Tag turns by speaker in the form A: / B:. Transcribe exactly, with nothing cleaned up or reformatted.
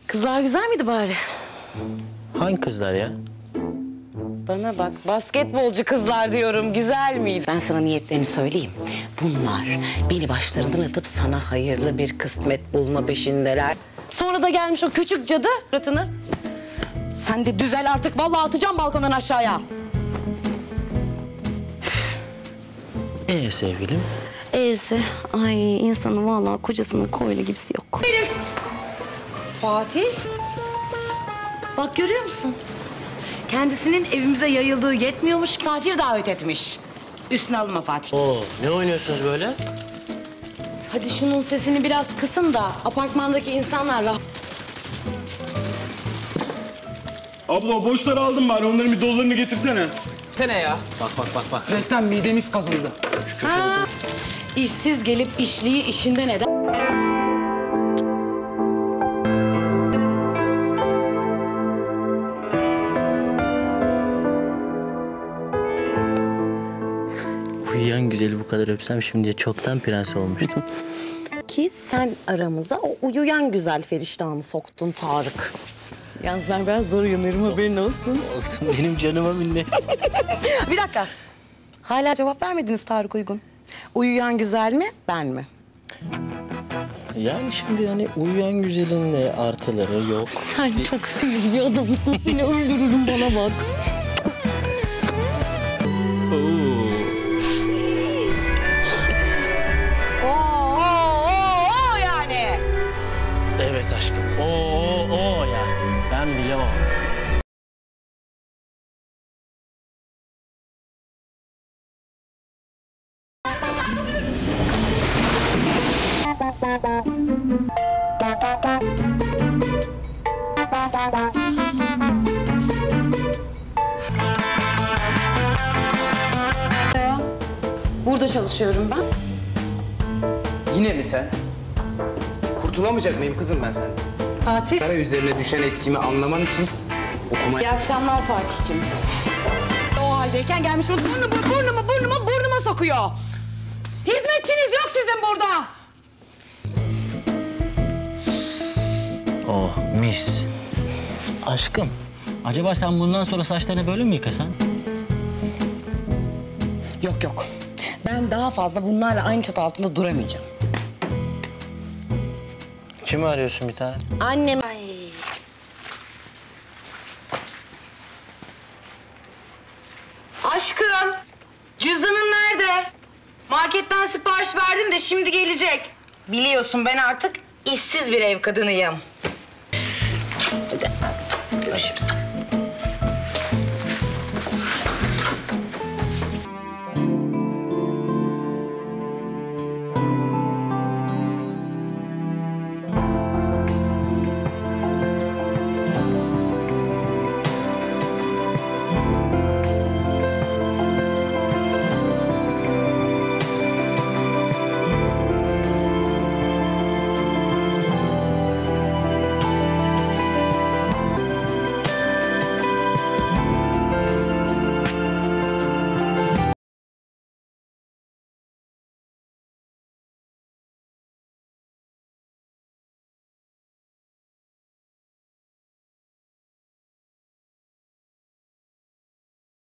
A: Kızlar güzel miydi bari?
B: Hangi kızlar ya?
A: Bana bak, basketbolcu kızlar diyorum. Güzel miydi? Ben sana niyetlerini söyleyeyim. Bunlar beni başlarından atıp sana hayırlı bir kısmet bulma peşindeler. Sonra da gelmiş o küçük cadı ratını. Sen de düzel artık. Vallahi atacağım balkondan aşağıya.
B: Ee sevgilim?
A: E'si, ay insanın vallahi kocasının koyla gibisi yok. Bilirsin. Fatih. Bak görüyor musun? Kendisinin evimize yayıldığı yetmiyormuş, misafir davet etmiş. Üstüne alınma Fatih.
B: Oo, ne oynuyorsunuz böyle?
A: Hadi şunun sesini biraz kısın da apartmandaki insanlar rahat...
C: Abla o boşları aldım bari. Onların bir dolularını getirsene.
D: Sene ya.
B: Bak bak bak bak.
D: Stresten midemiz kazındı.
A: Ha, işsiz gelip işliği işinden eder.
B: Uyuyan güzeli bu kadar öpsem şimdiye çoktan prens olmuştum.
A: Ki sen aramıza o uyuyan güzel feriştahını soktun Tarık. Yalnız ben biraz zor uyanırım, haberin olsun.
B: Olsun, benim canıma minnet.
A: Bir dakika. Hala cevap vermediniz Tarık Uygun. Uyuyan güzel mi, ben mi?
B: Yani şimdi hani uyuyan güzelin de artıları yok.
A: Sen çok sinirli adamsın. Seni öldürürüm, bana bak. Oo, oo, oo yani.
B: Evet aşkım. Oo o yani. Ben bile o.
A: Burada çalışıyorum ben.
D: Yine mi sen? Kurtulamayacak mıyım kızım ben senden?
A: Fatih.
D: Kara üzerine düşen etkimi anlaman için okuma...
A: İyi akşamlar Fatih'ciğim. O haldeyken gelmiş burnumu, burnumu, burnumu, burnuma sokuyor. Hizmetçiniz yok sizin burada.
B: Oh mis. Aşkım, acaba sen bundan sonra saçlarını böyle mi yıkasan?
A: Yok yok. Ben daha fazla bunlarla aynı çatı altında duramayacağım.
B: Kimi arıyorsun bir tane?
A: Annem. Ay. Aşkım, cüzdanın nerede? Marketten sipariş verdim de şimdi gelecek. Biliyorsun ben artık işsiz bir ev kadınıyım. Hadi, görüşürüz.